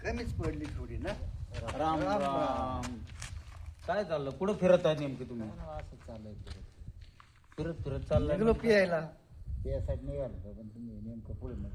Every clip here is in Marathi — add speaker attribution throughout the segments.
Speaker 1: कमीच पडली थोडी ना.
Speaker 2: राम
Speaker 1: राम
Speaker 2: राम. काय चाललं? कुठं फिरत आहे नेमके तुम्ही?
Speaker 3: असं चाललंय
Speaker 2: फिरत फिरत चाललंय
Speaker 1: निघलो पियायला.
Speaker 3: त्यासाठी निघालो पण तुम्ही नेमकं पुढे नगर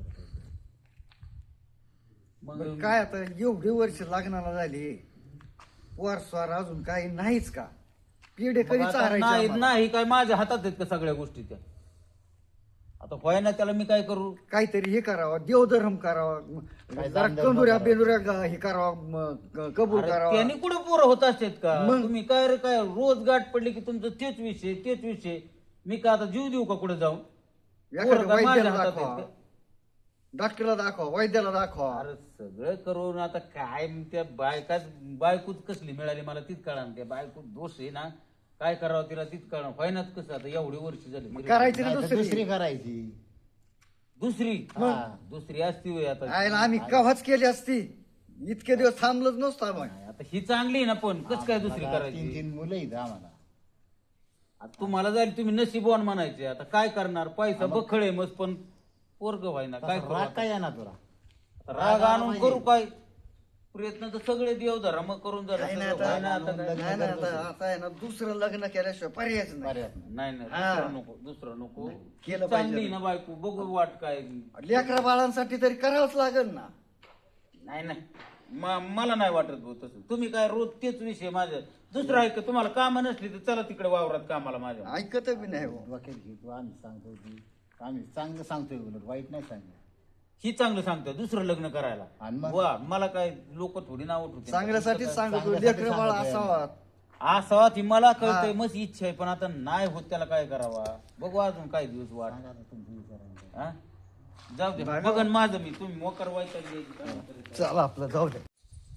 Speaker 2: मग
Speaker 1: बरं, काय आता एवढी वर्ष लग्नाला झाली, वार स्वार अजून काही नाहीच का? पिढे
Speaker 2: मग
Speaker 1: कधी
Speaker 2: आता
Speaker 1: चारायचे
Speaker 2: नाही
Speaker 1: आम्हाला?
Speaker 2: नाही काय माझ्या हातात आहेत का सगळ्या गोष्टी त्या? आता होय ना, त्याला मी काय करू?
Speaker 1: काहीतरी हे करावं, देवधर्म करावा,
Speaker 3: काय
Speaker 1: जरा
Speaker 3: दानधर्म
Speaker 1: कंदुऱ्या
Speaker 3: करावा.
Speaker 1: बेंदुऱ्या हे करावा, कबूल
Speaker 2: अरे
Speaker 1: करावा.
Speaker 2: त्यांनी कुठे पोरं होत असतात का?
Speaker 1: मग?
Speaker 2: तुम्ही काय रे काय रोज गाठ पडली की तुमचं तेच विषय. मी का आता जीव देऊ का कुठे जाऊन?
Speaker 1: एखाद्या
Speaker 2: पोरं काय माझ्या
Speaker 1: वैद्याला
Speaker 2: हातात
Speaker 1: दाखवा,
Speaker 2: आहेत का?
Speaker 1: डॉक्टरला दाखवा, वैद्याला दाखवा.
Speaker 2: अरे सगळं करून आता काय त्या बायकोच कसली मिळाली मला तीच कळणार. त्या बायको दोष आहे ना, काय करावं तिला तीच कळणार. व्हायनाच कसं आता एवढी वर्ष झाली.
Speaker 1: करायची ना
Speaker 3: दुसरी
Speaker 1: दुसरी.
Speaker 3: करायची.
Speaker 2: दुसरी
Speaker 3: हा.
Speaker 2: दुसरी असती होय आता.
Speaker 1: आयला आम्ही कव्हाच केली असती, इतके दिवस थांबलोच नसतो आम्ही.
Speaker 2: आता ही चांगली आहे ना, पण कस काय दुसरी
Speaker 3: मला
Speaker 2: करायची?
Speaker 3: 3 मुलं आहेत आम्हाला.
Speaker 2: आता तुम्हाला जाईल तुम्ही नशीबवान म्हणायचे. आता काय करणार? पैसा बखळे मग पण पोरग व्हायना. काय
Speaker 3: तसा
Speaker 2: करू
Speaker 3: राग
Speaker 2: आता?
Speaker 3: काय येणार तुला?
Speaker 2: राग आणून करू काय? प्रयत्न तर सगळे देव धरा मग करून जरा
Speaker 1: काही नाही
Speaker 2: सगळं व्हायना
Speaker 1: आता,
Speaker 2: आता काय?
Speaker 1: नाही नाही आता आता आहे ना, दुसरं लग्न केल्याशिवाय पर्यायच नाही.
Speaker 3: पर्याय नाही.
Speaker 2: नाही
Speaker 1: हा.
Speaker 2: दुसरं नको
Speaker 1: केलं
Speaker 2: चांगली
Speaker 1: पाहिजे.
Speaker 2: ना बायको, बघू वाट काय.
Speaker 1: लेकरा बाळांसाठी तरी करावंच लागेल ना.
Speaker 2: नाही मला नाही वाटत भाऊ तसं. तुम्ही काय रोज तेच विषय माझ्या. दुसरं आहे का तुम्हाला कामं नसली तर चला तिकडे वावरात कामाला माझ्या.
Speaker 1: ऐकत बी नाही हो.
Speaker 3: डोक्यात घेतो आम्ही सांगतो की आम्ही चांगलं सांगतोय उलट वाईट नाही सांगतो.
Speaker 2: ही चांगलं सांगतोय दुसरं लग्न करायला.
Speaker 3: आणि मग?
Speaker 2: वा मला काय लोक थोडी नाव उठवते.
Speaker 1: चांगल्यासाठीच सांगतो,
Speaker 3: चांगल्यासाठी
Speaker 1: लेकर बाळ
Speaker 3: सांगतोय.
Speaker 1: असावा.
Speaker 2: असावा ती मला कळतंय,
Speaker 1: हा.
Speaker 2: मस्त इच्छा आहे, पण आता नाही होत. त्याला काय करावा बघू अजून काही दिवस वाट.
Speaker 3: सांगा आता तुमची विचारांचं.
Speaker 2: हा? जाऊ दे
Speaker 1: बघा.
Speaker 2: बघन माझं मी. तुम्ही मोकर व्हायचं
Speaker 1: चला आपलं जाऊ दे.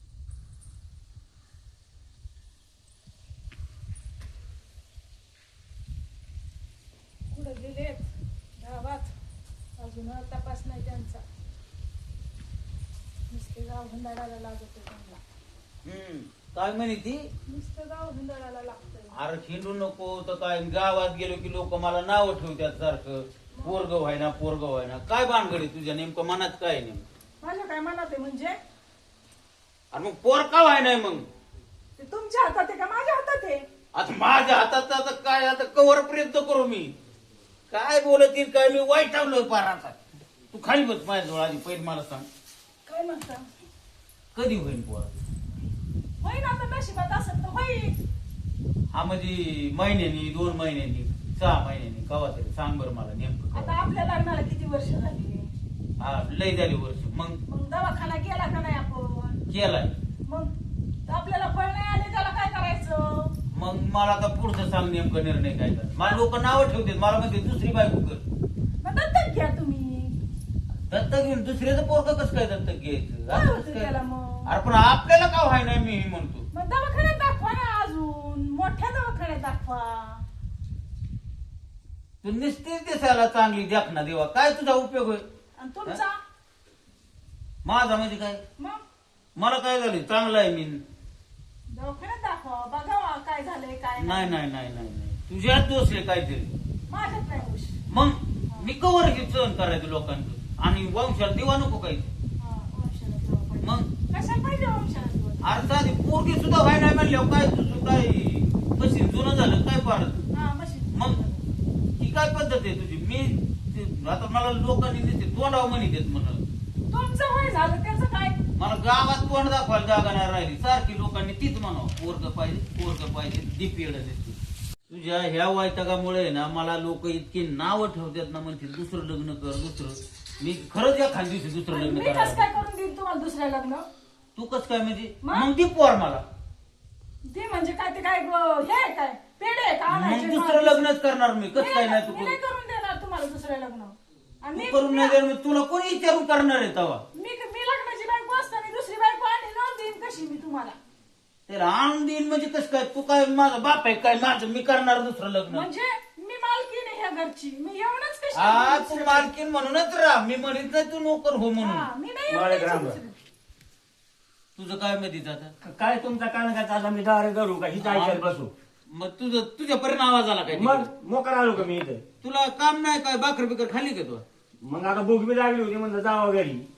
Speaker 4: कुठं गेलेत गावात? अजून तपास नाही त्यांचा. नुसते गाव हुंदाडायला लागत त्यांना.
Speaker 2: काय म्हणे ती?
Speaker 4: नुसतं गाव हुंदाडायला लागतंय.
Speaker 2: अरे खिंडू नको तर काय. गावात गेलो की लोक मला नाव ठेवतात सारखं. पोरग व्हायना. काय भानगडी तुझ्या नेमकं मनात काय नेमकं?
Speaker 4: माझ्या काय मनात आहे म्हणजे?
Speaker 2: अरे मग पोर का व्हाय मग?
Speaker 4: ते तुमच्या हातात आहे का माझ्या हातात आहे?
Speaker 2: आता माझ्या हातात आता काय, आता कवर प्रयत्न करू मी. काय बोलत येईल काय, मी वाईट ठेवलं पार. आता तू खाली बस माझ्याजवळ आधी. पहिले मला सांग
Speaker 4: काय म्हणता?
Speaker 2: कधी होईल पोर?
Speaker 4: होईन आता, नशिबात असत तर होईल.
Speaker 2: हा म्हणजे महिन्यानी, 2 महिन्यांनी, 6 महिन्यांनी, कवा तरी सांग बरं मला नेमकं
Speaker 4: आता
Speaker 2: कवा.
Speaker 4: आपल्या लग्नाला किती वर्ष झाली?
Speaker 2: हा लय झाली वर्ष. मग
Speaker 4: मग दवाखाना केला का नाही आपण?
Speaker 2: केलाय.
Speaker 4: मग आपल्याला फळ नाही आले त्याला काय करायचं?
Speaker 2: मग मला आता पुढचं सांग नेमकं निर्णय काय कर. मला लोक नावं ठेवतात, मला म्हणते दुसरी बायको कर.
Speaker 4: मग दत्तक घ्या तुम्ही.
Speaker 2: दत्तक घेऊन दुसऱ्याचं पोरग कसं काय दत्तक घ्यायचं?
Speaker 4: काय
Speaker 2: असं
Speaker 4: होतं
Speaker 2: कसं काय?
Speaker 4: त्याला मग?
Speaker 2: अरे पण आपल्याला का व्हाय नाही मी म्हणतो.
Speaker 4: मग दवाखान्यात दाखवा ना, अजून मोठ्या दवाखान्यात दाखवा.
Speaker 2: तू निस्तीच दिसायला चांगली देखना देवा. काय तुझा उपयोग होय?
Speaker 4: आणि तुमचा
Speaker 2: माझा म्हणजे काय?
Speaker 4: मग
Speaker 2: मला काय झालं? चांगला आहे मी.
Speaker 4: दवाखान्यात दाखवा, बघावा काय झालंय काय
Speaker 2: नाही. तुझ्यात दोष आहे काहीतरी.
Speaker 4: माझ्यात नाही होश.
Speaker 2: मग मी कवर घेत सहन करायचं लोकांचं. आणि वंशाला दिवा नको काही.
Speaker 4: हा, वंशाला दिवा पाहिजे.
Speaker 2: मग
Speaker 4: कशाला पाहिजे वंशाला दिवा?
Speaker 2: अरे साधी पोरगी सुद्धा व्हाय नाही म्हणल्यावर काय तुझं काय कशी जुनं झालं काय फार.
Speaker 4: हा, मशीन.
Speaker 2: मग ही काय पद्धत आहे तुझी? आता मला लोकांनी दिसते तोंडावं म्हणतात म्हणून.
Speaker 4: तुमचं वय झालं त्याचं काय?
Speaker 2: मला गावात तोंड दाखवायला जागा नाही राहिली. सारखी लोकांनी तीच म्हणावं पोरग पाहिजे दीप येडं दिसते. तुझ्या ह्या वैतागामुळे ना मला लोक इतकी नावं ठेवतात ना, म्हणतील दुसरं लग्न कर दुसरं. मी खरंच या खाली दिवशी दुसरं
Speaker 4: आणि
Speaker 2: लग्न
Speaker 4: मी कसं
Speaker 2: करायला.
Speaker 4: काय करून देईन तुम्हाला दुसऱ्या लग्न?
Speaker 2: तू कस काय म्हणजे?
Speaker 4: मग?
Speaker 2: मग ती पोर मला.
Speaker 4: ते म्हणजे काय, ते काय हे आहे काय पेढे आहे का आणायचे?
Speaker 2: मग दुसरं लग्नच करणार मी. कस काय नाही तू
Speaker 4: मी नाही करून देणार तुम्हाला दुसरं लग्न. आणि
Speaker 2: तू करून नाही देणार. तुला कोणी विचारून करणार आहे तवा?
Speaker 4: मी लग्नाची बायको असताना दुसरी बायको आणि लावून देईन कशी मी तुम्हाला?
Speaker 2: त्याला आणून देईन म्हणजे कसं काय? तू काय माझा बाप आहे काय? माझं मी करणार दुसरं लग्न.
Speaker 4: म्हणजे मी मालकीण आहे ह्या घरची. मी येऊनच कशी
Speaker 2: हा
Speaker 4: दुसऱ्या
Speaker 2: तू मालकीन म्हणूनच राह. मी म्हणत नाही तू नोकर हो
Speaker 4: हा,
Speaker 2: म्हणून.
Speaker 4: मी नाही
Speaker 5: मला
Speaker 4: येऊन
Speaker 5: ग्राम
Speaker 4: द्यायची दुसरी.
Speaker 2: तुझं काय माहिती आता?
Speaker 5: काय तुमचा कान काय चालला मी दारे करू का हिचा ऐकत बसू?
Speaker 2: मग तुझ्या परिणाम आवाज आला काय
Speaker 5: मग
Speaker 2: तिकडे?
Speaker 5: मोकार आलो का मी इथे?
Speaker 2: तुला काम नाही काय? बाकर बिकर खाली का तू?
Speaker 5: मग आता भूक बी लागली होती म्हणलं जावं घरी.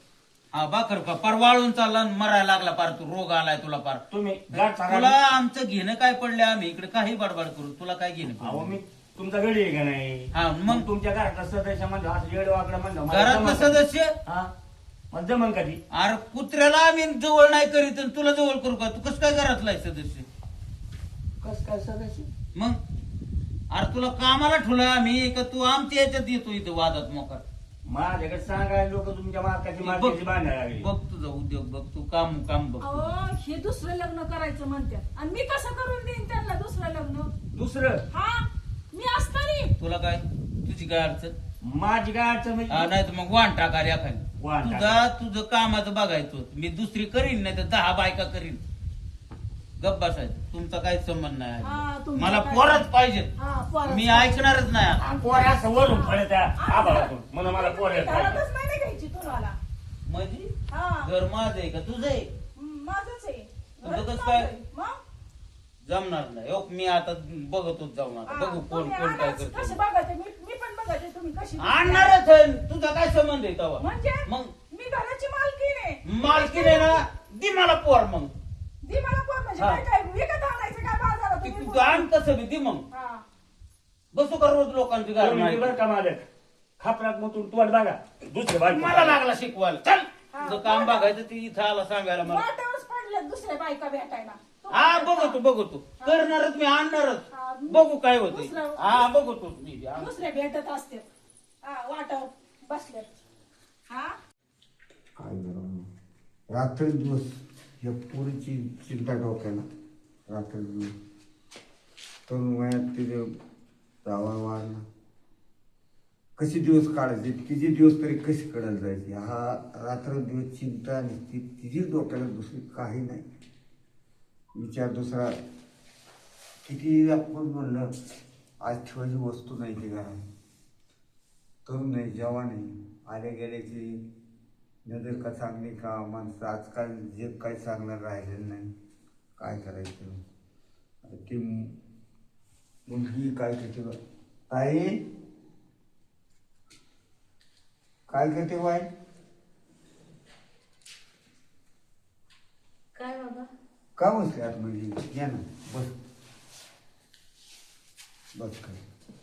Speaker 2: हा भाकर का पार वाळून चालला आणि मरायला लागला पार तू रोग आलाय तुला पार
Speaker 5: तुम्ही गाठ
Speaker 2: तुला
Speaker 5: सांगा.
Speaker 2: आमचं घेणं काय पडलं आम्ही इकडे काही बडबड करू तुला काय घेणं
Speaker 5: अहो
Speaker 2: पडलं?
Speaker 5: मी तुमचा गडी आहे का नाही
Speaker 2: हा मग
Speaker 5: मग तुमच्या घरातला सदस्य म्हणतो असं येड वाकडं म्हणतो मला
Speaker 2: घरातलं
Speaker 5: जमन का?
Speaker 2: सदस्य
Speaker 5: हा मग जमन कधी
Speaker 2: अरे कुत्र्याला आम्ही जवळ नाही करीत आणि तुला जवळ करू का तू कसं काय घरातला आहे सदस्य
Speaker 5: कस काय सदस्य
Speaker 2: मग अरे तुला कामाला ठेवलं आम्ही का तू आमच्या याच्यात येतो इथं वादात मोकार
Speaker 5: माझ्याकडे सांगायला लोक तुमच्या मार्काची मार्केटची बांधायला लागली
Speaker 2: बघ तुझा उद्योग बघ तू काम बघ
Speaker 4: अहो हे दुसरं लग्न करायचं म्हणतात आणि मी कसं करून देईन त्यांना दुसरं लग्न
Speaker 5: दुसरं
Speaker 4: हा मी असतानी
Speaker 2: तुला काय तुझी काय अडचण
Speaker 5: माझी काय अडचण म्हणजे
Speaker 2: नाही तर मग वाण टाका रे खाली
Speaker 5: वाण टाका.
Speaker 2: तुझं कामाचं बघायचं मी दुसरी करीन नाही तर 10 बायका करीन गप बसायचं तुमचा काही संबंध
Speaker 4: हा,
Speaker 2: नाही
Speaker 4: तुमचा
Speaker 2: मला
Speaker 4: काय-
Speaker 2: पोरच पाहिजे
Speaker 4: हा, पोरच
Speaker 2: मी
Speaker 4: पाहिजे.
Speaker 2: ऐकणारच नाही
Speaker 5: पोर असं वरून फळे त्या आभाळातून म्हणून मला पोर येत नाही.
Speaker 4: घरातच नाही घ्यायची तुम्हाला
Speaker 2: म्हणजे
Speaker 4: हा
Speaker 2: घर माझं आहे का तुझं आहे
Speaker 4: माझंच आहे
Speaker 2: तुझं
Speaker 4: घरच
Speaker 2: कसं काय?
Speaker 4: माझं आहे. मग?
Speaker 2: जमणार नाही हो, मी आता बघतोच जाऊन आता
Speaker 4: हा,
Speaker 2: बघू कोण
Speaker 4: तुम्ही
Speaker 2: कोण काय
Speaker 4: आणा,
Speaker 2: करतो
Speaker 4: कशी बघायचे मी पण बघायचे तुम्ही कशी
Speaker 2: आणणारच आहे तुझा काय संबंध आहे तेव्हा
Speaker 4: म्हणजे
Speaker 2: मग
Speaker 4: मी घराची मालकीण आहे
Speaker 2: मालकी नाही ना दे मला पोर मग
Speaker 4: दी मला कोण म्हणजे
Speaker 2: हा.
Speaker 4: काय काय विकत आणायचं काय बाजारात
Speaker 2: ती
Speaker 4: तुम्ही
Speaker 2: तू आण कसं बी दे मग
Speaker 4: हा.
Speaker 2: बसू का रोज लोकांची गाडी
Speaker 5: तुम्ही बरं का मालक खापरात मग तोड बघा दुसरे बायको
Speaker 2: मला लागला शिकवायला चल
Speaker 4: हा,
Speaker 2: तुझं काम बघायचं ती इथं आला सांगायला मला
Speaker 4: वाटेवरच पडल्यात दुसऱ्या बायका भेटायला
Speaker 2: हा बघतो करणारच मी आणणारच
Speaker 4: हा.
Speaker 2: बघू काय होते
Speaker 4: दुसरं-
Speaker 2: हा बघतो मी
Speaker 4: दुसरे भेटत असते हा वाटावर बसल्यात हा
Speaker 6: काय बरं रात्रंदिवस या पोरीची चिंता डोक्याला रात्रंदिवस तरुण वयात तिथे जावा वाढला कसे दिवस काढायचे तिचे दिवस तरी कसे काढायला जायचे हा रात्रंदिवस चिंता आणि तिची डोक्याला दुसरी काही नाही विचार दुसरा किती आपण म्हणलं आज ठेवायची वस्तू नाही ती घरात तरुण नाही जवान नाही आल्या गेल्याची नजर का चांगली का माणसं आजकाल जे काही चांगलं राहिलेलं नाही काय करायचं ती मुलगी काय करते बा ताई काय करते बाय
Speaker 7: काय बाबा
Speaker 6: का बसले आतमध्ये या ना बस बस काय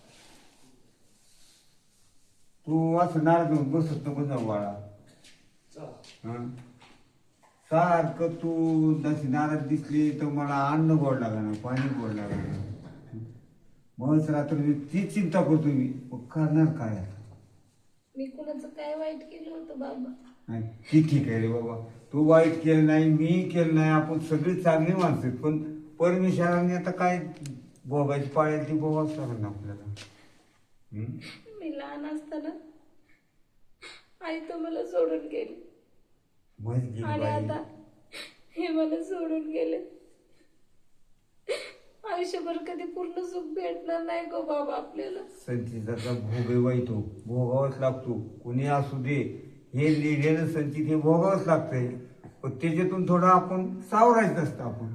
Speaker 6: तू असं नाराज होऊन बसत नको जाऊ बाळा हं? सारखं तू जशी नाराज दिसली तर मला अन्न गोड लागणार पाणी गोड लागणार मग रात्र तीच चिंता करतो मी मग करणार काय आता
Speaker 7: मी कुणाचं काय वाईट केलं होतं बाबा
Speaker 6: नाही ती ठीक आहे रे बाबा तू वाईट केलं नाही मी केलं नाही आपण सगळी चांगली माणसं आहेत. पण परमेश्वराने आता काय भोगायची पाळेल ती भोगाच लागेल ना आपल्याला हं?
Speaker 7: मी लहान असताना आई तर मला सोडून गेली
Speaker 6: मस्त गेली
Speaker 7: आणि
Speaker 6: बाई
Speaker 7: आता हे मला सोडून गेले आयुष्यभर कधी पूर्ण सुख भेटणार नाही गो बाबा आपल्याला
Speaker 6: संचिताचा भोग आहे तो भोगावाच लागतो कुणी असू दे हे लिहिलेलं संचित हे भोगावंच लागतंय पण त्याच्यातून थोडं आपण सावरायचं असतं आपण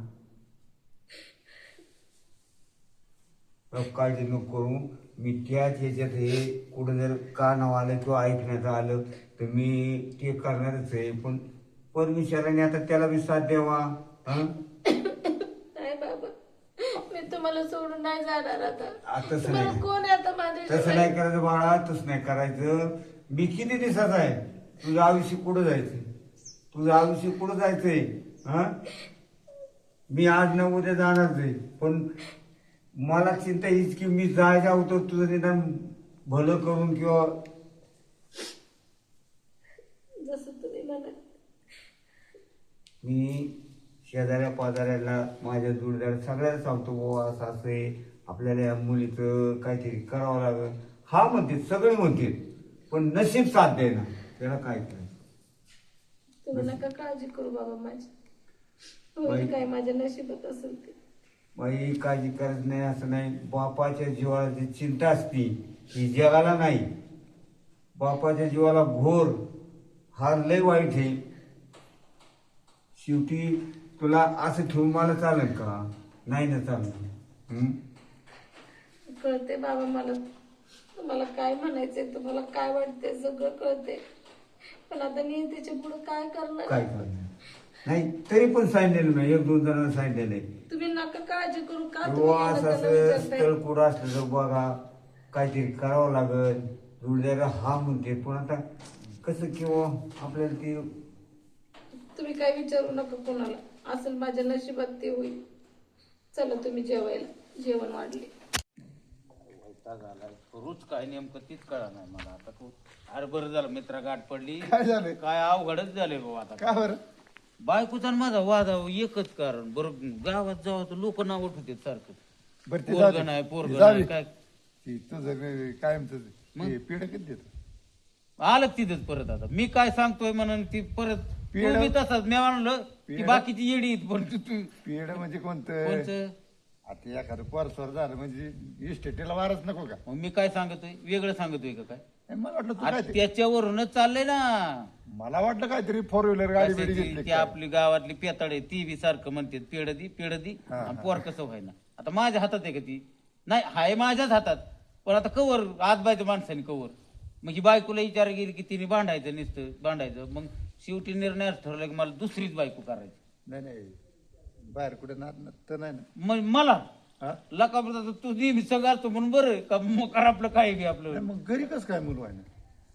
Speaker 6: काळजी नको करू मी त्याच ह्याच्यात हे कुठं जर कानावर आलं किंवा ऐकण्यात आलं तर मी ते करणारच आहे पण परमेश्वराने आता त्याला बी साथ द्यावा हं
Speaker 7: नाही बाबा मी तुम्हाला सोडून नाही जाणार आता
Speaker 6: तसं
Speaker 7: तुम्हाला
Speaker 6: नाही
Speaker 7: कोण आहे आता
Speaker 6: तसं
Speaker 7: माझ्या
Speaker 6: नाही करायचं बाळा तसं नाही करायचं मी किती दिवसाचा आहे तुझं आयुष्य कुठं जायचंय तुझं आयुष्य कुठं जायचंय हा मी आज न उद्या जाणारच आहे पण मला चिंता हीच की मी जायच्या अगोदर तुझं निदान भलं करून किंवा
Speaker 7: जसं तुम्ही म्हणा
Speaker 6: मी शेजाऱ्या पाजाऱ्याला माझ्या जोडीदार सगळ्याला सांगतो बाबा असं असं आहे आपल्याला या मुलीचं काहीतरी करावं लागेल हा म्हणते सगळे म्हणते पण नशीब साथ दे ना त्याला काय करायचं
Speaker 7: तुम्ही नका काळजी करू बाबा माझी होईल काय माझ्या नशिबात असेल ते
Speaker 6: बाई काळजी करत नाही असं नाही बापाच्या जीवाला जी चिंता असती ही जगाला नाही बापाच्या जीवाला घोर हा लय वाईट आहे शेवटी तुला असं ठेवून मला चालेल का नाही ना चालणार
Speaker 7: कळते बाबा मला तुम्हाला काय म्हणायचंय तुम्हाला काय वाटतंय सगळं कळते पण आता नियतीच्या पुढे काय करणार?
Speaker 6: काय करणार नाही तरी पण सांगितलेलं नाही, 1-2 जणांना सांगितलेलं आहे.
Speaker 7: तुम्ही नका काळजी करू का
Speaker 6: हो,
Speaker 7: तुम्ही
Speaker 6: असं
Speaker 7: यांना
Speaker 6: असं
Speaker 7: विचारताय?
Speaker 6: स्थळ कुठं असलं तर बघा, काहीतरी करावं लागल. जोडीदार हा म्हणते, पण आता कसं किंवा आपल्याला ते
Speaker 7: तुम्ही काय विचारू नका कोणाला, असेल माझ्या नशिबात ते होईल. चला तुम्ही जेवायला, जेवण वाढले.
Speaker 2: करूच काय नेमकं तीच कळा नाही मला आता. अरे बरं झालं मित्रा गाठ पडली.
Speaker 1: काय झालं?
Speaker 2: काय अवघडच झाले बाबा आता.
Speaker 1: का बरं?
Speaker 2: बायकोचा आणि माझा वाद एकच कारण. बरं गावात जावं तर लोक नाव उठवते सारखं.
Speaker 1: बरं ते
Speaker 2: पोरगं
Speaker 1: जाऊ दे.
Speaker 2: नाही, पोरगं
Speaker 1: जाऊ
Speaker 2: नाही,
Speaker 1: दे.
Speaker 2: काय
Speaker 1: ती तुझं कायमच
Speaker 2: मग?
Speaker 1: पिढ कधी देत
Speaker 2: आलं तिथंच परत. आता मी काय सांगतोय म्हणून ती परत
Speaker 1: पिढं-
Speaker 2: तू बी तसाच मी म्हणलं ती
Speaker 1: पिढं-
Speaker 2: बाकीची येडी आहेत, पण तू
Speaker 1: पिढ म्हणजे कोणतं?
Speaker 2: कोणचं?
Speaker 1: आता एखादं परस्वर झालं म्हणजे इस्टेटीला वारच नको का?
Speaker 2: मग मी काय सांगतोय वेगळं सांगतोय का काय?
Speaker 1: ए, मला वाटलं तू
Speaker 2: अरे
Speaker 1: काय
Speaker 2: त्याच्यावरूनच चाललंय ना.
Speaker 1: मला वाटलं काहीतरी 4 व्हीलर गाडी बिडी
Speaker 2: कशाची
Speaker 1: घेतली
Speaker 2: ती
Speaker 1: काय?
Speaker 2: आपली गावातली पेताडे ती बी सारखं म्हणते पेड दी
Speaker 1: हा,
Speaker 2: आणि
Speaker 1: हा.
Speaker 2: पोर कसं व्हायना. आता माझ्या हातात आहे का ती? नाही, हाय माझ्याच हातात. पण आता कवर आज बायचं माणसाने कवर मग ही बायकोला विचार गेली की तिने भांडायचं नुसतं भांडायचं. मग शेवटी निर्णय ठरवला की मला दुसरीच बायको करायची.
Speaker 1: नाही नाही बाहेर कुठे नाद तर नाही ना.
Speaker 2: मग मला
Speaker 1: हा?
Speaker 2: लका तू नेहमी सगळं म्हणून बरं का मग कर आपलं काय घे आपलं
Speaker 1: नाही, मग घरी कसं काय मुलं आहे ना?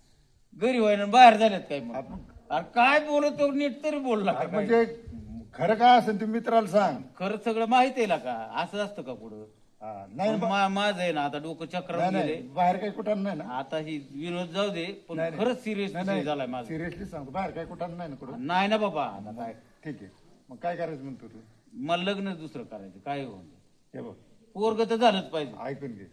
Speaker 2: घरी व्हायना बाहेर झाल्यात काय मग.
Speaker 1: आपण-
Speaker 2: अरे काय बोलतो नीट तरी बोलला का काय?
Speaker 1: म्हणजे खरं काय असेल ते मित्राला सांग.
Speaker 2: खरं सगळं माहिती आहे का? असं असतं का पुढं?
Speaker 1: हा, नाही ना,
Speaker 2: माझं आहे ना आता डोकं चक्र
Speaker 1: नाही
Speaker 2: गेले.
Speaker 1: नाही बाहेर काही कुठं नाही ना.
Speaker 2: आता ही विनोद जाऊ दे पण
Speaker 1: नाही, नाही.
Speaker 2: खरंच सिरियस झालाय माझा.
Speaker 1: सिरियसली सांगतो बाहेर काही कुठं नाही ना कुठं.
Speaker 2: नाही ना बाबा. आता काय
Speaker 1: ठीक आहे मग काय करायचं म्हणतो तू?
Speaker 2: मला लग्न दुसरं करायचं काय होऊन
Speaker 1: हे बघ
Speaker 2: पोरग तर झालंच पाहिजे.
Speaker 1: ऐकून घे.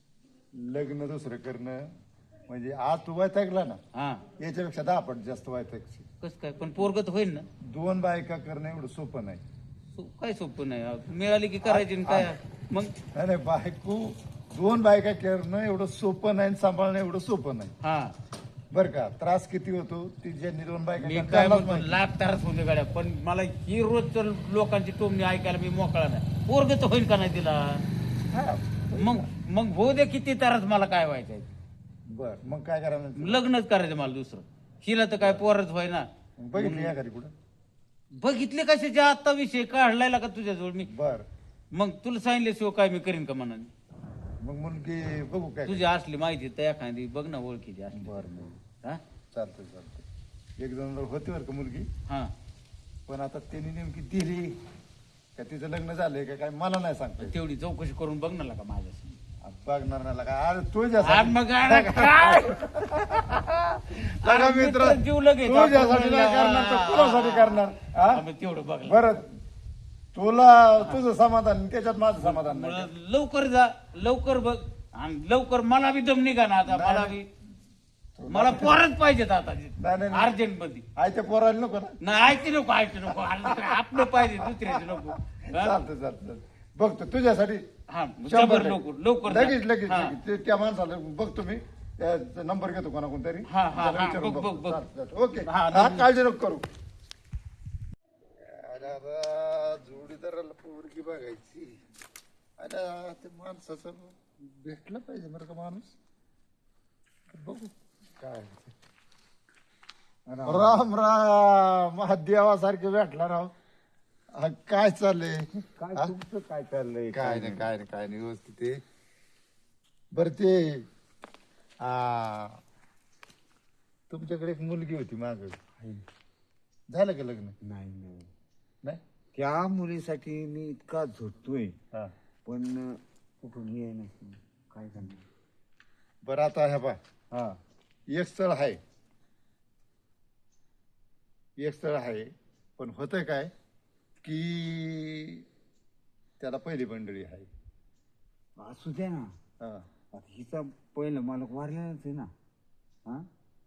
Speaker 1: लग्न दुसरं करणं म्हणजे आज तू वैतागला ना,
Speaker 2: हा
Speaker 1: याच्यापेक्षा 10 पट जास्त वैतागशील.
Speaker 2: कस काय पण पोरग तर होईल ना.
Speaker 1: 2 बायका करणं एवढं सोपं नाही.
Speaker 2: काय सोपं नाही. मिळाली की करायची आणि काय मग.
Speaker 1: नाही नाही बायको 2 बायका करणं एवढं सोपं नाही आणि सांभाळणं एवढं सोपं नाही.
Speaker 2: हा
Speaker 1: बरं का? त्रास किती होतो ती ज्यांनी 2 बायका
Speaker 2: मी
Speaker 1: करतात
Speaker 2: काय
Speaker 1: त्यांनाच
Speaker 2: म्हणतो
Speaker 1: माहिती.
Speaker 2: लाख तारच होते गाड्या पण मला ही रोज लोकांची टोमणी ऐकायला मी मोकळा नाही. पोरग तर होईल का नाही तिला.
Speaker 1: हा,
Speaker 2: मग मग होऊ दे किती तारच मला काय व्हायचंय.
Speaker 1: बर मग काय करायला?
Speaker 2: लग्नच करायचं मला दुसरं. हिला तर काय पोरच व्हायना.
Speaker 1: बघितली या घरी कुठं?
Speaker 2: बघितले कशाच्या आता विषय काढलाय का तुझ्याजवळ मी.
Speaker 1: बर
Speaker 2: मग तुला सांगितल्याशिवाय काय मी करीन का म्हणाने.
Speaker 1: मग मुलगी बघू काय?
Speaker 2: तुझी असली माहिती तर एखादी बघ ना ओळखीची असली.
Speaker 1: बरं
Speaker 2: हा
Speaker 1: चालतंय चालतंय. 1 जण होती बरं का मुलगी,
Speaker 2: हा
Speaker 1: पण आता त्यांनी नेमकी दिली का तिचं लग्न झालंय का काय मला नाही सांगता येत.
Speaker 2: तेवढी चौकशी करून बघ ना का माझ्याशी.
Speaker 1: बघणार नाही का? अरे
Speaker 2: आज
Speaker 1: तुझ्यासाठी
Speaker 2: मग अरे काय?
Speaker 1: लगा
Speaker 2: अरे
Speaker 1: मित्र
Speaker 2: मित्र जीव लगेच.
Speaker 1: तुझ्यासाठी नाही करणार तर कुणासाठी करणार? हा?
Speaker 2: आम्ही तेवढं बघ
Speaker 1: बरं तुला तुझं समाधान त्याच्यात माझं समाधान नाही.
Speaker 2: लवकर जा लवकर बघ आणि लवकर मला बी दम निघा ना आता.
Speaker 1: नाही,
Speaker 2: मला बी मला पोरच पाहिजेत आता
Speaker 1: नाही.
Speaker 2: अर्जंट मध्ये.
Speaker 1: आयत्या पोरायला नको ना.
Speaker 2: नाही ऐकते नको आपलं पाहिजे दुसऱ्याचे नको. हा?
Speaker 1: चालतं बघतो तुझ्यासाठी.
Speaker 2: हा
Speaker 1: 100
Speaker 2: जबर लवकर लवकर जा.
Speaker 1: लगेच
Speaker 2: हा.
Speaker 1: त्या माणसाला बघतो मी त्याचा नंबर घेतो कोणाकोण तरी.
Speaker 2: हा, हा,
Speaker 1: त्याला
Speaker 2: हा,
Speaker 1: विचारून
Speaker 2: बघ,
Speaker 1: बघतो.
Speaker 2: बघ.
Speaker 1: चालतं. ओके
Speaker 2: हा,
Speaker 1: हा, काळजी नको करू. जोडीदाराला पोरगी बघायची. अरे ते माणसाचं भेटलं पाहिजे बरं का माणूस. बघू काय. राम राम देवासारखे भेटला राव. काय चाललंय?
Speaker 6: काय तुमचं काय चाललंय?
Speaker 1: काय नाही व्यवस्थित आहे. बर ते तुमच्याकडे एक मुलगी होती माग, झालं का लग्न?
Speaker 6: नाही
Speaker 1: नाही.
Speaker 6: त्या मुलीसाठी मी इतका झोटतोय
Speaker 1: हा
Speaker 6: पण कुठून ये नाही काय करणार.
Speaker 1: बरं आता ह्या बा
Speaker 6: हा
Speaker 1: एक स्थळ आहे पण होतंय काय की त्याला पहिली मंडळी आहे.
Speaker 6: असू द्या ना.
Speaker 1: हा
Speaker 6: आता हिचा पहिलं मालक वारलेलाच आहे ना. हा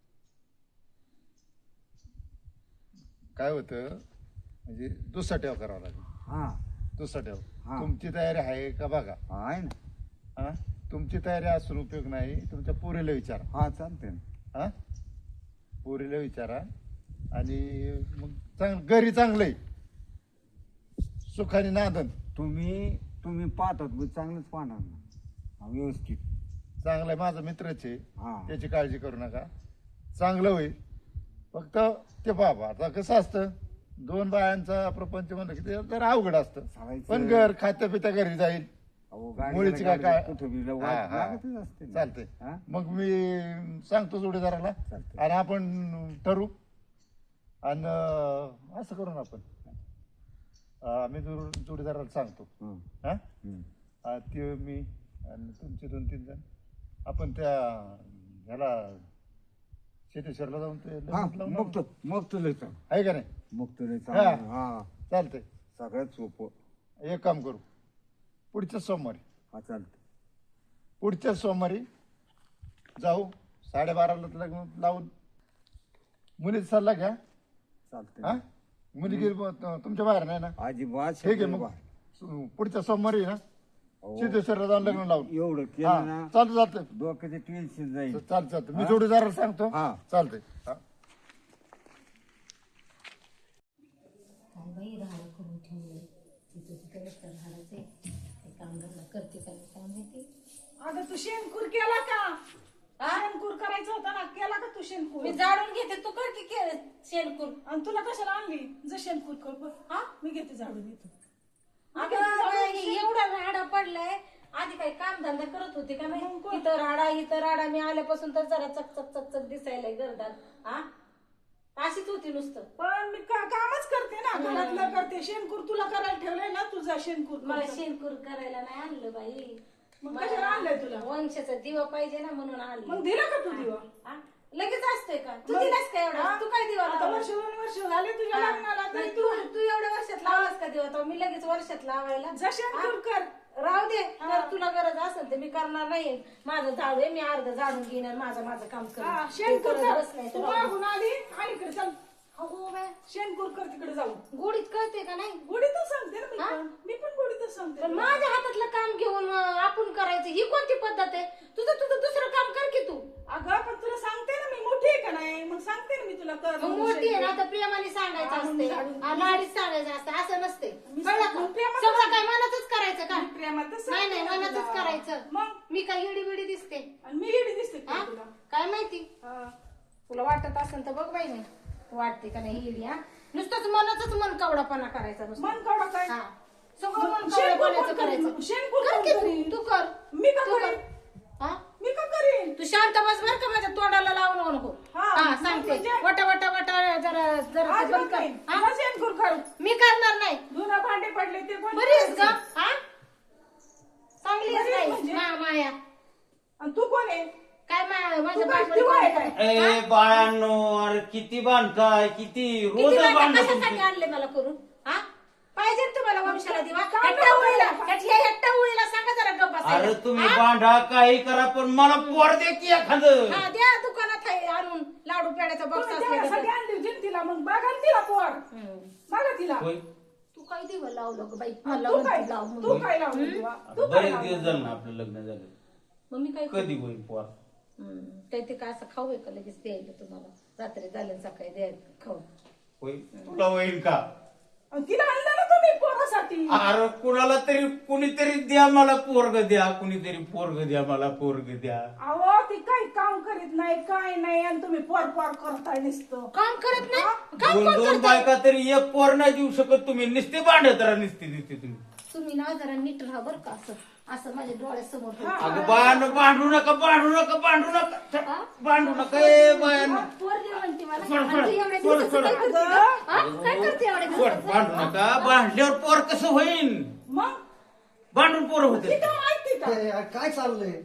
Speaker 1: काय होतं म्हणजे दुसरा ठेव करावा लागेल.
Speaker 6: हा
Speaker 1: दुसरा ठेव.
Speaker 6: हा.
Speaker 1: तुमची तयारी आहे का बघा.
Speaker 6: आहे ना.
Speaker 1: हा तुमची तयारी असून उपयोग नाही. तुमच्या पोरीला विचारा.
Speaker 6: हा चालतंय ना.
Speaker 1: हा पोरीला विचारा आणि मग घरी चांगलंय सुखाने नादन.
Speaker 6: तुम्ही पाहतात मग चांगलंच पाहणार ना. हा, व्यवस्थित
Speaker 1: चांगलंय माझा मित्रच आहे.
Speaker 6: हा
Speaker 1: त्याची काळजी करू नका. चांगलं होईल
Speaker 8: फक्त ते बाबा आता कसं असतं 2 बायांचा प्रपंच म्हणलं की ते जरा अवघड असतं.
Speaker 6: चालायचं.
Speaker 8: पण घर खात्या पित्या घरी जाईल.
Speaker 6: अहो, गाडी
Speaker 8: मुलीची
Speaker 6: जरा
Speaker 8: काय
Speaker 6: गाडी कुठं बी
Speaker 8: हा,
Speaker 6: वाट
Speaker 8: हा.
Speaker 6: लागतच असते ना.
Speaker 8: चालतंय.
Speaker 6: हा?
Speaker 8: मग मी सांगतो जोडीदाराला
Speaker 6: चालतंय.
Speaker 8: आणि आपण ठरवू आणि असं करू ना आपण. मी जोडीदाराला सांगतो.
Speaker 6: हं.
Speaker 8: हा
Speaker 6: हं.
Speaker 8: ते मी आणि तुमचे 2-3 जण आपण त्या ह्याला शेतेश्वरला जाऊन ते
Speaker 6: हा,
Speaker 8: लग्न लावून
Speaker 6: मग तो लय चांगलं.
Speaker 8: आहे का नाही.
Speaker 6: मग तो लय
Speaker 8: हा.
Speaker 6: चांगलं. हा,
Speaker 8: चालतंय.
Speaker 6: सगळ्यात सोपं.
Speaker 8: एक काम करू पुढच्या सोमवारी
Speaker 6: हा, चालतं.
Speaker 8: पुढच्या सोमवारी जाऊ 12:30ला लग्न लावून मुलीचा सल्ला घ्या.
Speaker 6: चालतंय.
Speaker 8: हा मुली गेली तुमच्या बाहेर नाही ना.
Speaker 6: अजिबात
Speaker 8: ठीक आहे
Speaker 6: शब्द
Speaker 8: मग
Speaker 6: बा-
Speaker 8: पुढच्या सोमवारी ना
Speaker 6: अहो,
Speaker 8: सिद्धेश्वरला जाऊन लग्न लावून.
Speaker 6: एवढं
Speaker 8: हा
Speaker 6: केलं ना
Speaker 8: चालतं
Speaker 6: डोक्याचे टेन्शन जाईल.
Speaker 8: चालतं मी जोडीदाराला सांगतो.
Speaker 6: हा.
Speaker 8: चालतंय. हा.
Speaker 9: काय बाई राहणं करून ठेवलंय तिथं तिकडे तर राहायचे ते काम धंदा करते का नाही काय माहिती.
Speaker 4: अगं तू शेणकूर केला का? शेणकूर करायचं होता ना, केला का तू शेणकूर?
Speaker 9: मी जाळून घेते तू कर की शेणकूर.
Speaker 4: आणि तुला कशाला आणली? जर शेणकूर कर बघ. हा मी घेते झाडून येतो.
Speaker 9: अगं बाई, एवढा राडा पडलाय. आधी काही काम धंदा करत होते का नाही. इथं राडा मी आल्यापासून तर जरा चकचक चकचक दिसायला गर्दात. हा अशीच होती नुसतं.
Speaker 4: पण मी कामच करते ना, घरातलं करते. शेणकूर तुला करायला ठेवलंय ना, तुझा शेणकूर कर.
Speaker 9: मला शेणकूर करायला नाही आणलं बाई.
Speaker 4: मग कशाला आणलंय तुला?
Speaker 9: वंशाचा दिवा पाहिजे ना म्हणून आणलं.
Speaker 4: मग दिला का तू दिवा?
Speaker 9: हा? लगेच असतोय का? तू दिलास का एवढा? तू काय दिवा
Speaker 4: आता
Speaker 9: लावला?
Speaker 4: वर्ष 2 वर्ष झाले तुझ्या
Speaker 9: हा.
Speaker 4: लग्नाला,
Speaker 9: नाही,
Speaker 4: तरी
Speaker 9: तू
Speaker 4: तू
Speaker 9: तू एवढ्या वर्षात लावलास का दिवा? तो मी लगेच वर्षात लावायला.
Speaker 4: जा शेणकूर कर.
Speaker 9: राहू दे. जर तुला गरज असेल तर मी करणार नाही. माझं झाडू आहे, मी अर्ध झाडून घेईन आणि माझं काम
Speaker 4: हा,
Speaker 9: कर.
Speaker 4: शेणकूर कर.
Speaker 9: बसलाय
Speaker 4: तू
Speaker 9: तर
Speaker 4: मागून आली आणि इकडे चल.
Speaker 9: हो बाय,
Speaker 4: शेणकूर कर तिकडे जाऊन.
Speaker 9: गोडीत कळते का नाही.
Speaker 4: गोडीतच सांगते ना मी
Speaker 9: हा?
Speaker 4: पण. मी पण गोडीतच सांगते.
Speaker 9: पण माझ्या हातातलं काम घेऊन आपण करायचं ही कोणती पद्धत आहे. तुझं दुसरं काम कर की तू.
Speaker 4: अगं पण तुला सांगते ना मी, मोठी आहे का नाही? मग सांगते ना मी तुला कर.
Speaker 9: मग मोठी आहे ना तर प्रेमाने सांगायचं
Speaker 4: हा,
Speaker 9: असते.
Speaker 4: मग
Speaker 9: लाडीत सांगायचं असतं. असं नसते.
Speaker 4: मी
Speaker 9: कळलं का?
Speaker 4: मग प्रेमातच-
Speaker 9: सगळं काय मनातच करायचं का?
Speaker 4: मी प्रेमातच
Speaker 9: नाही
Speaker 4: सांगते
Speaker 9: नाही
Speaker 4: ना
Speaker 9: मनातच
Speaker 4: तुला.
Speaker 9: करायचं.
Speaker 4: मग
Speaker 9: मी काय येडी बिडी दिसते.
Speaker 4: आणि मी येडी दिसते का
Speaker 9: हा?
Speaker 4: तुला?
Speaker 9: काय माहिती.
Speaker 4: हा.
Speaker 9: तुला वाटत असेल तर बघ बाई नाही वाटते का नाही येडी. हा नुसतंच मनातच मन कवडापणा करायचा नुसतं.
Speaker 4: मन काढा काय?
Speaker 9: हा सगळं मन
Speaker 4: शेणकूर
Speaker 9: कवडापणाचं
Speaker 4: कोण करीन?
Speaker 9: करायचं.
Speaker 4: शेणकूर
Speaker 9: कर
Speaker 4: कोण
Speaker 9: की
Speaker 4: करीन?
Speaker 9: तू कर.
Speaker 4: मी का
Speaker 9: तू कर.
Speaker 4: करीन?
Speaker 9: हा
Speaker 4: मी का करीन?
Speaker 9: तू शांत बस बर का माझ्या तोंडाला लावू नको.
Speaker 4: हा,
Speaker 9: हा सांगते.
Speaker 4: म्हणजे-
Speaker 9: वटा वटा वटा जरा जरा
Speaker 4: आज
Speaker 9: ते बंद कर.
Speaker 4: नाही.
Speaker 9: हा?
Speaker 4: जा शेणकूर कर.
Speaker 9: मी करणार नाही.
Speaker 4: धुणं भांडे पडले ते कोण
Speaker 9: बरी आहेस
Speaker 4: करायचं?
Speaker 9: का? हा चांगली आहेस
Speaker 4: बरी आहेस
Speaker 9: बाई.
Speaker 4: म्हणजे?
Speaker 9: माया
Speaker 4: आणि तू कोण आहे?
Speaker 9: काय माझ्या
Speaker 4: तू काय
Speaker 9: बापाने
Speaker 4: दिवा आहे
Speaker 9: कोण
Speaker 4: काय?
Speaker 9: केलं?
Speaker 2: ए बाळांनो, अरे किती बांधताय, किती रोज
Speaker 9: किती वाटा
Speaker 2: बांधत
Speaker 9: कशासाठी आणले मला करून? हा पाहिजे ना तुम्हाला वंशाला दिवा.
Speaker 4: काय
Speaker 9: हट्टा उळीला
Speaker 4: काय?
Speaker 9: हट्टा उळीला सांगा जरा गप्प बसायला.
Speaker 2: अरे तुम्ही
Speaker 9: हा?
Speaker 2: बांधा काही करा पण मला पोर दे की एखादं.
Speaker 9: हा द्या दुकानात आहे आणून लाडू पेड्याचा बॉक्स
Speaker 4: तुम्ही तेवढ्यासाठी आणली होती ना तिला, मग बघा ना तिला पोर. बघा तिला.
Speaker 2: होय.
Speaker 9: तू काय दिवा लावलं ग बाई.
Speaker 4: आणि
Speaker 9: मला
Speaker 4: तू काय
Speaker 9: म्हणते लाव
Speaker 4: तू
Speaker 9: म्हणून.
Speaker 4: काय लावली दिवा?
Speaker 2: आता
Speaker 4: तू काय
Speaker 2: बरेच
Speaker 4: लावली?
Speaker 2: दिवस झालं ना आपलं लग्न झालं.
Speaker 9: मग मी काय करू?
Speaker 2: कधी होईल पोर?
Speaker 9: काय ते काय असं खाऊ आहे का लगेच द्यायला तुम्हाला रात्री झालं सकाळी द्यायला खाऊ.
Speaker 2: होय तुला होईल का?
Speaker 4: आणि तिला आणलं ना तुम्ही पोरासाठी.
Speaker 2: अरे कुणाला तरी कुणीतरी द्या मला पोरग द्या, कुणीतरी पोरग द्या मला पोरग द्या.
Speaker 4: अहो ती काही काम करीत नाही काय नाही आणि तुम्ही पोर पोर करताय नुसतं.
Speaker 9: काम करत नाही. काम
Speaker 2: दोन
Speaker 9: कोण
Speaker 2: दोन
Speaker 9: करतंय?
Speaker 2: बायका तरी एक पोर नाही देऊ शकत तुम्ही. नुसते भांडत राहा, नुसते नुसते तुम्ही.
Speaker 9: तुम्ही ना जरा नीट राहा बरं का. असं असं माझ्या डोळ्यासमोर ठेवा.
Speaker 2: अगं बायानं भांडू नका, भांडू नका, भांडू नका, भांडू नका. ए बायानं
Speaker 9: पोर दे म्हणते मला.
Speaker 2: सोड,
Speaker 9: आणि तू एवढ्या
Speaker 2: सोड,
Speaker 9: दिवसाचं
Speaker 2: सोड.
Speaker 9: काय करते ग? हा? काय करते एवढ्या
Speaker 2: सोड,
Speaker 9: दिवसाचं?
Speaker 2: भांडू नका. भांडल्यावर पोर कसं होईल?
Speaker 4: मग
Speaker 2: भांडून पोर होते.
Speaker 4: तिला माहिती का?
Speaker 1: हे काय चाललंय?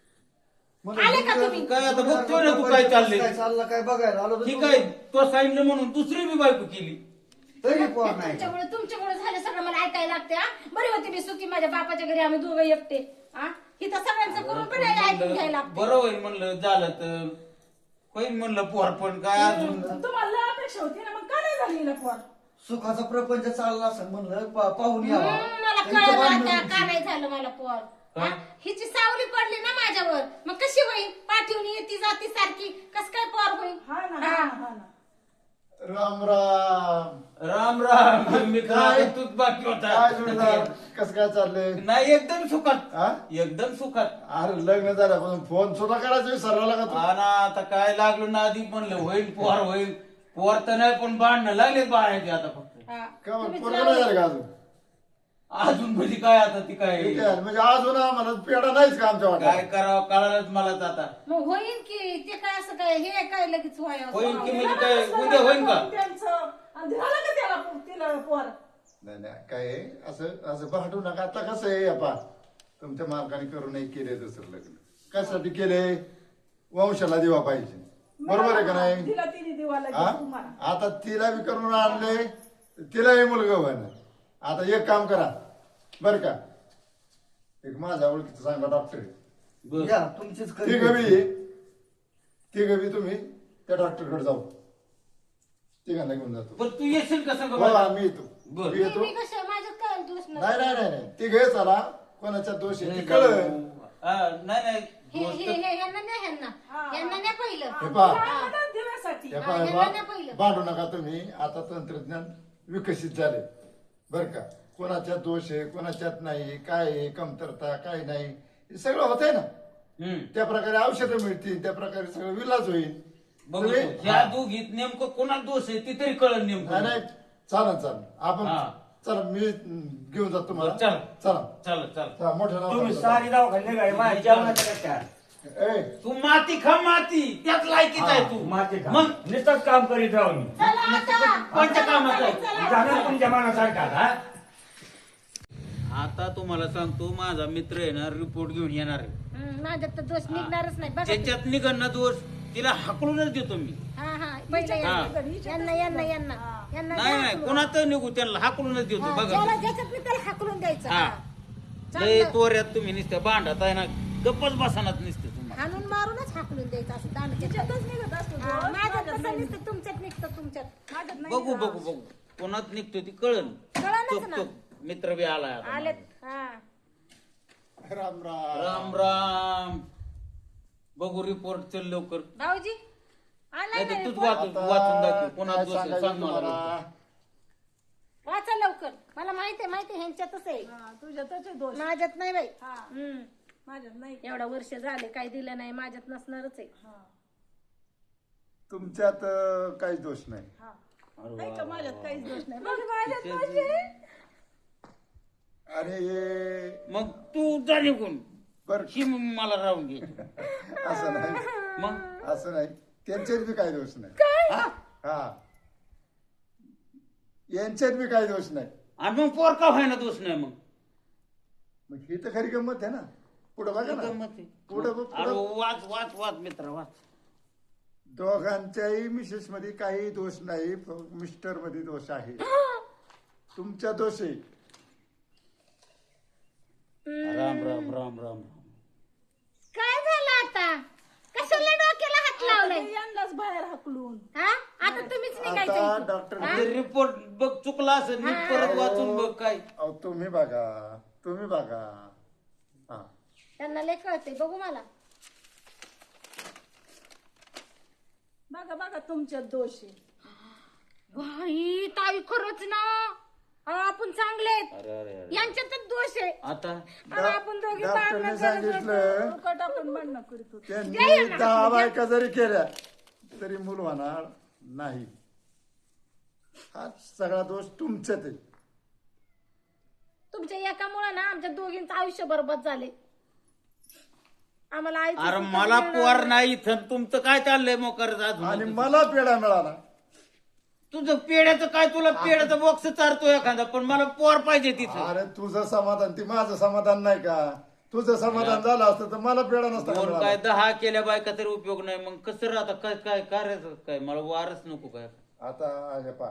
Speaker 1: मला
Speaker 9: आले का तुम्ही?
Speaker 2: काय आता बघतोय ना तू काय चाललंय.
Speaker 1: काय चाललं काय बघायला आलो
Speaker 2: ठीक आहे, तो सांगितलं म्हणून दुसरी बी बायको केली.
Speaker 1: तरी पोर नाही.
Speaker 9: तुमच्यामुळे झालं सगळं मला ऐकायला लागते. हा बरी होती मी सुखी माझ्या बापाच्या घरी आम्ही दोघं एकटे. हा इथं सगळ्यांचं करून पण ऐकून घ्यायला लागतं.
Speaker 2: बरं होईल म्हणलं, झालं तर होईल म्हणलं पोर. पण काय अजून
Speaker 4: तुम्हाला लय अपेक्षा होती ना, मग का नाही झाली हिला पोर?
Speaker 1: सुखाचा प्रपंच चालला असं म्हणलं पाहून यावा.
Speaker 9: मला
Speaker 1: त्यांचं
Speaker 9: कळलं
Speaker 1: भांडण
Speaker 9: आता
Speaker 1: होती.
Speaker 9: का नाही झालं मला पोर.
Speaker 2: हा?
Speaker 9: हिची सावली पडली ना माझ्यावर. मग कशी होईल? पाठवून येती जाती सारखी कस काय पोर होईल?
Speaker 4: हा ना हा ना, हा ना.
Speaker 8: राम राम.
Speaker 2: राम राम. मी
Speaker 8: काय?
Speaker 2: तूच बाकी
Speaker 8: काय जोडीदार
Speaker 2: होता.
Speaker 8: कसं काय चाललंय?
Speaker 2: नाही एकदम सुखात,
Speaker 8: हा?
Speaker 2: एकदम सुखात.
Speaker 8: अरे लग्न झाल्यापासून फोन सुद्धा करायचं विसरला का तू?
Speaker 2: हा ना, आता काय लागलो ना आधी म्हणलं होईल पोर होईल. पोर तर नाही पण बांधणं लागले बाळाचे आता फक्त
Speaker 9: हा.
Speaker 8: का बरं,
Speaker 9: तुम्हीच
Speaker 8: पोरगं नाही
Speaker 9: लावलं.
Speaker 8: झालं का अजून
Speaker 2: अजून म्हणजे काय आता ती काय
Speaker 8: ठीक आहे, म्हणजे अजून आम्हाला पेढा नाहीच का आमच्या
Speaker 2: काय
Speaker 8: वाट्यात
Speaker 2: करावं कळालंच मलाच आता
Speaker 9: मग होईन की ते काय असं काय हे काय लगेच व्हायला
Speaker 2: होईन की म्हणजे काय उद्या होईन का
Speaker 4: त्यांचं आणि झालं का त्याला तिला पोर
Speaker 8: नाही नाही काय आहे, असं असं भांडू नका. आता कसं आहे आपा तुमच्या मालकाने करू नये केले दुसरं लग्न कशासाठी केले वंशाला दिवा पाहिजे बरोबर आहे का नाही
Speaker 4: तिला तिने दिवा
Speaker 8: हा?
Speaker 4: लागेल तुम्हाला
Speaker 8: आता तिला बी करून आणले तिलाही मुलगा व्हायला. आता एक काम करा बर का एक माझ्या ओळखीचं सांगा डॉक्टर
Speaker 1: या तुमचीच
Speaker 8: ती गबी तुम्ही त्या डॉक्टरकडे जाऊ तिघांना घेऊन जातो
Speaker 2: पण तू येशील कसं
Speaker 8: हो आम्ही येतो
Speaker 2: बरं.
Speaker 8: मी येतो
Speaker 9: मी कसं माझ्यात काय दोष
Speaker 8: नाही नाही नाही नाही ती घे चला कोणाचा दोष आहे ती कळ
Speaker 2: नाही नाही
Speaker 9: ह्यांना नाही पहिलं
Speaker 8: हे पहा
Speaker 4: लागणार दिव्यासाठी
Speaker 8: हे पहा, हे
Speaker 9: यांना नाही
Speaker 8: पहा.
Speaker 9: पहिलं.
Speaker 8: भांडू नका तुम्ही आता तंत्रज्ञान विकसित झाले बर का कोणाच्यात दोष आहे कोणाच्यात नाही काय आहे कमतरता काय नाही हे सगळं होतंय ना त्या प्रकारे औषधं मिळतील त्या प्रकारे सगळं विलाज होईल
Speaker 2: बघू
Speaker 8: तुम्ही-
Speaker 2: ह्या दोघीत नेमकं कोणाला दोष आहे ती तरी कळलं
Speaker 8: नाही
Speaker 2: नेमकं
Speaker 8: नाही चालन आपण
Speaker 2: हा.
Speaker 8: चला मी घेऊन जातो तुम्हाला
Speaker 2: बरं, चला.
Speaker 8: चला
Speaker 2: चल चल
Speaker 8: चला, मोठ्या
Speaker 5: तुम्ही
Speaker 8: नावानं
Speaker 5: सारी दवाखान्यात निघाले माझ्या जेवणाच्या कट्ट्यावर.
Speaker 8: ए,
Speaker 2: तू माती खा माती त्यात लायकीच आहे तू
Speaker 5: माती खा.
Speaker 2: मग
Speaker 5: नुसतंच काम करीत राहू मी
Speaker 2: कोणत्या कामात आहे
Speaker 5: जाणार तुमच्या मनासारखा हा?
Speaker 2: आता तुम्हाला सांगतो माझा मित्र आहे ना रिपोर्ट घेऊन येणार आहे
Speaker 9: माझ्यात तर दोष निघणारच नाही बघा
Speaker 2: ज्याच्यात निघण दोष तिला हाकलूनच देतो मी
Speaker 9: हा हा पहिलं
Speaker 2: हा.
Speaker 9: यांना
Speaker 2: नाही नाही कोणाच निघू त्यांना हाकलूनच देतो बघा
Speaker 9: ज्याच्यात मी त्याला हाकलून द्यायचं
Speaker 2: हा.
Speaker 9: हा.
Speaker 2: लय तोऱ्यात तुम्ही नुसत्या भांडत आहे ना गप्पच बसणार नुसते तुम्हाला
Speaker 9: हाणून मारूनच हाकलून द्यायचं असं दांडच्यातच निघत असतो माझ्यात कसं निघतं तुमच्यात निघतं तुमच्यात माझ्यात नाही
Speaker 2: बघू बघू बघू कोणात निघतो ती कळन
Speaker 9: कळलंच ना.
Speaker 2: मित्र बी आलाय आता
Speaker 9: आलेत हा
Speaker 8: राम राम
Speaker 2: राम राम बघू रिपोर्ट चल लवकर
Speaker 9: भाऊजी आलाय
Speaker 2: नाही
Speaker 9: ना
Speaker 2: तर तूच
Speaker 9: report?
Speaker 2: वाचून दाखव
Speaker 8: आता
Speaker 2: कोणात
Speaker 8: काय
Speaker 2: दोष आहे
Speaker 8: सांगायचं
Speaker 2: सांग मला
Speaker 8: तुम्हाला?
Speaker 2: लवकर.
Speaker 9: वाचा लवकर मला माहिती आहे ह्यांच्यातच आहे
Speaker 4: तुझ्यातच दोष
Speaker 9: माझ्यात नाही बाई
Speaker 4: हा.
Speaker 9: हम्म.
Speaker 4: माझ्यात नाही
Speaker 9: एवढा वर्ष झाले काही दिलं नाही माझ्यात नसणारच आहे
Speaker 8: तुमच्यात काहीच दोष नाही
Speaker 4: नाही का माझ्यात काहीच दोष नाही बघ, माझ्यात दोष आहे.
Speaker 8: अरे हे
Speaker 2: मग तू जा निघून
Speaker 8: बर
Speaker 2: ही मला राहून घे
Speaker 8: असं नाही
Speaker 2: मग
Speaker 8: असं नाही त्यांच्यात बी काही दोष नाही हा यांच्यात बी काही दोष नाही
Speaker 2: आणि मग पोर का व्हायना दोष नाही मग
Speaker 8: मग ही तर खरी गंमत आहे ना पुढे बघा ना
Speaker 2: गंमत आहे.
Speaker 8: पुढे
Speaker 2: अरे वाच वाच वाच मित्र वाच
Speaker 8: दोघांच्याही मिसेस मध्ये काही दोष नाही मिस्टर मध्ये दोष आहे तुमच्या दोष आहे
Speaker 2: राम राम राम राम
Speaker 9: काय झालं आता कशाला डोक्याला हात लावलाय
Speaker 4: ते यांनाच बाहेर हाकलून
Speaker 9: हा आता तुम्हीच निघायचं
Speaker 8: आता
Speaker 9: इथून.
Speaker 8: डॉक्टर
Speaker 2: रिपोर्ट बघ चुकला असेल मी परत वाचून बघ काय
Speaker 8: अहो, तुम्ही बघा हा
Speaker 9: त्यांना लय कळते बघू मला
Speaker 4: बघा बघा तुमच्यात दोष आहे
Speaker 9: भाई ताई खरंच ना आपण चांगले आहेत.
Speaker 2: अरे अरे अरे
Speaker 9: यांच्यातच दोष आहे
Speaker 2: आता
Speaker 9: आणि आपण दोघी
Speaker 8: डॉक्टरने
Speaker 9: भांडणं करत
Speaker 8: सांगितलं
Speaker 4: फुकट आपण म्हणणं करीत होतो
Speaker 8: त्यांनी 10 बायका जरी केल्या तरी मूल होणार नाही हा सगळा दोष तुमच्यात आहे
Speaker 9: तुमच्या एकामुळे ना आमच्या दोघींचं आयुष्य बरबाद झाले आम्हाला आईचं
Speaker 2: अरे
Speaker 9: सुखच
Speaker 2: मला
Speaker 9: मिळणार
Speaker 2: पोर
Speaker 9: नाही.
Speaker 2: नाही इथं तुमचं काय चाललंय मोकर
Speaker 8: आणि
Speaker 2: अजून
Speaker 8: मला पेढा मिळाला
Speaker 2: तुझं पेड्याचं काय तुला पेड्याचं बॉक्स चारतो एखादा पण मला पोर पाहिजे तिथं
Speaker 8: अरे तुझं समाधान ती माझं समाधान नाही का तुझं समाधान झालं असतं तर मला पेढा नसता का
Speaker 2: दोन
Speaker 8: मिळाला.
Speaker 2: काय 10 केल्या बायका तरी उपयोग नाही मग कसं राहता काय काय करायचं काय मला वारच नको काय
Speaker 8: आता अरे पा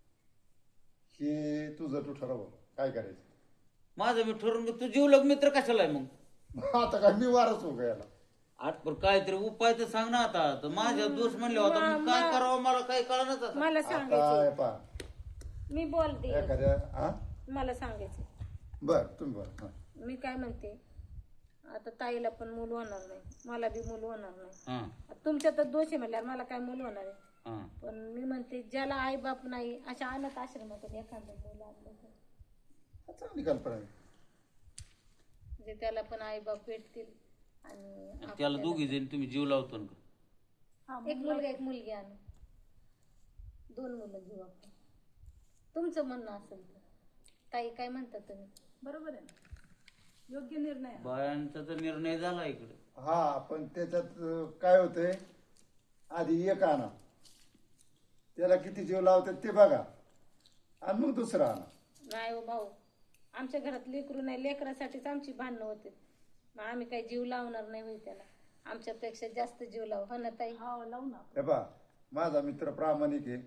Speaker 8: हे तुझं तू ठरव काय करायचं
Speaker 2: माझं मी ठरवून घेतो. तू जीवलग मित्र कशाला आहे मग
Speaker 8: आता काय मी वारच हो याला
Speaker 2: आठपर काहीतरी उपाय तर सांग ना आता तर माझ्या दोष म्हणले होता मग काय करावं मला काही कळणार आता
Speaker 9: मला
Speaker 8: आता
Speaker 9: सांगायचं
Speaker 8: हे पा
Speaker 9: मी बोलते
Speaker 8: एखाद्या हा
Speaker 9: मला सांगायचं
Speaker 8: बर तुम्ही बोल हा.
Speaker 9: मी काय म्हणते आता ताईला पण मूल होणार नाही मला बी मूल होणार नाही
Speaker 2: हा
Speaker 9: तुमच्यातच दोष आहे म्हणल्यावर मला काय मूल होणार आहे
Speaker 2: हा
Speaker 9: पण मी म्हणते ज्याला आई बाप नाही अशा अनाथ आश्रमातून एखादं मूल आणलं तर
Speaker 8: चांगली कल्पना आहे
Speaker 9: म्हणजे त्याला पण आई बाप भेटतील आणि
Speaker 2: त्याला दोघी जण तुम्ही जीव लावतो ना
Speaker 9: एक मुलगा एक मुलगी आणू 2 मुलं घेऊ आपण. तुमचं म्हणणं असेल तर ताई काय म्हणता तुम्ही?
Speaker 4: बरोबर आहे ना, योग्य निर्णय आहे.
Speaker 2: बायांचा तर निर्णय झाला इकडे.
Speaker 8: हा पण त्याच्यात काय होतंय, आधी एक आणा, त्याला किती जीव लावतात ते बघा, आणि मग दुसरा आणा.
Speaker 9: नाही हो भाऊ, आमच्या घरात लेकरू नाही, लेकरासाठीच आमची भांडणं होते. मग आम्ही काही जीव लावणार नाही होई त्याला, आमच्यापेक्षा जास्त जीव लावू. हो ना ताई?
Speaker 4: हो लावू ना.
Speaker 8: हे पहा, माझा मित्र प्रामाणिक आहे,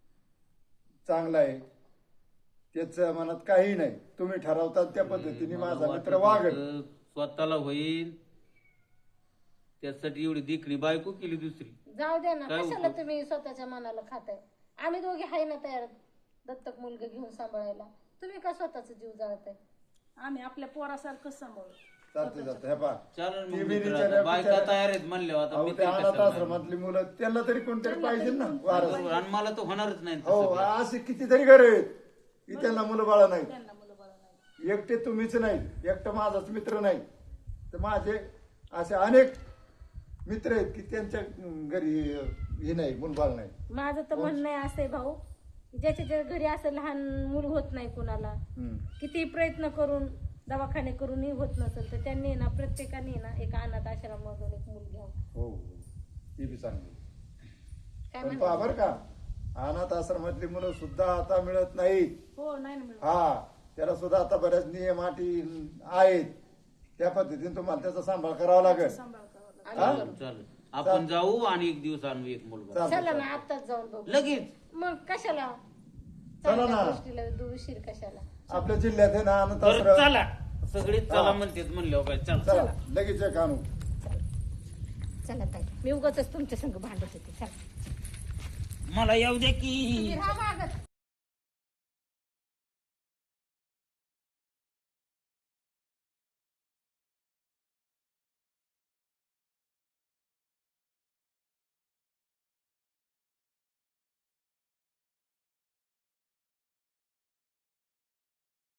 Speaker 8: चांगला आहे, त्याच्या मनात काही नाही. तुम्ही ठरवतात त्या पद्धतीने माझा मित्र वागेल.
Speaker 2: स्वतःला होईल त्यासाठी एवढी देखणी बायको केली दुसरी.
Speaker 9: जाऊ द्या ना,
Speaker 2: काय
Speaker 9: कशाला
Speaker 2: उपयोग?
Speaker 9: तुम्ही स्वतःच्या मनाला खाताय? आम्ही दोघे आहे ना तयार दत्तक मुलगा घेऊन सांभाळायला. तुम्ही का स्वतःचा जीव जाळताय?
Speaker 4: आम्ही आपल्या पोरासारखंच सांभाळू.
Speaker 8: चालते जाते. हे पहा,
Speaker 2: चालेल
Speaker 8: ती
Speaker 2: मग
Speaker 8: बी
Speaker 2: मित्र
Speaker 8: बिचाऱ्या-
Speaker 2: आता बायका
Speaker 8: बिचाऱ्या-
Speaker 2: तयार आहेत म्हणल्यावर आता
Speaker 8: अहो,
Speaker 2: मी
Speaker 8: ते
Speaker 2: तरी
Speaker 8: अनाथ
Speaker 2: कशाला नाही?
Speaker 8: आश्रमातली मुलं, त्यांना तरी कोणतरी पाहिजे ना वारस.
Speaker 2: आणि मला तर होणारच नाही
Speaker 8: हो,
Speaker 2: तसं काही.
Speaker 8: असे कितीतरी घर आहेत की त्यांना मुलं बाळा नाहीत.
Speaker 4: त्यांना मुलं बाळ नाही.
Speaker 8: एकटे तुम्हीच नाही, एकटं माझाच मित्र नाही, तर माझे असे अनेक मित्र आहेत की त्यांच्या घरी हे नाही, मुलबाळ नाही.
Speaker 9: माझं तर म्हणणं आहे असं आहे भाऊ, ज्याच्या घरी असं लहान मूल होत नाही कुणाला,
Speaker 8: हम्म.
Speaker 9: किती प्रयत्न करून दवाखाने करूनही होत नसेल तर त्यांनी ना प्रत्येकाने ना एक अनाथ आश्रमामधून एक मूल घ्यावं.
Speaker 8: हो हो, ती बी चांगली.
Speaker 9: काय
Speaker 8: पण
Speaker 9: म्हणता?
Speaker 8: पहा बरं का, अनाथ आश्रमातली मुलं सुद्धा आता मिळत नाहीत.
Speaker 4: हो नाही ना मिळत.
Speaker 8: हा, त्याला सुद्धा आता बऱ्याच नियम अटी आहेत, त्या पद्धतीने तुम्हाला त्याचा सांभाळ करावा लागेल.
Speaker 4: सांभाळ करावं लागतं.
Speaker 9: आम्ही
Speaker 8: हा?
Speaker 9: करू.
Speaker 2: चालेल आपण जाऊ आणि एक दिवस आणू एक मुलगा.
Speaker 8: चालतं,
Speaker 9: चला ना,
Speaker 8: चालतं.
Speaker 9: आत्ताच जाऊन बघू.
Speaker 2: लगेच
Speaker 9: मग कशाला
Speaker 8: चला
Speaker 9: चांगल्या
Speaker 8: ना.
Speaker 9: गोष्टीला उशीर कशाला?
Speaker 8: आपल्या जिल्ह्यात आहे ना अनाथ
Speaker 2: बरं
Speaker 8: आश्रम.
Speaker 2: चला सगळेच चला
Speaker 8: हा.
Speaker 2: म्हणतात म्हणल्यावर काय चला.
Speaker 8: चला लगेच एक आणू.
Speaker 9: चला ताई, मी उगाच तुमच्या संग भांडत होते. चला
Speaker 2: मला येऊ दे की
Speaker 9: तुम्ही राहा मागं.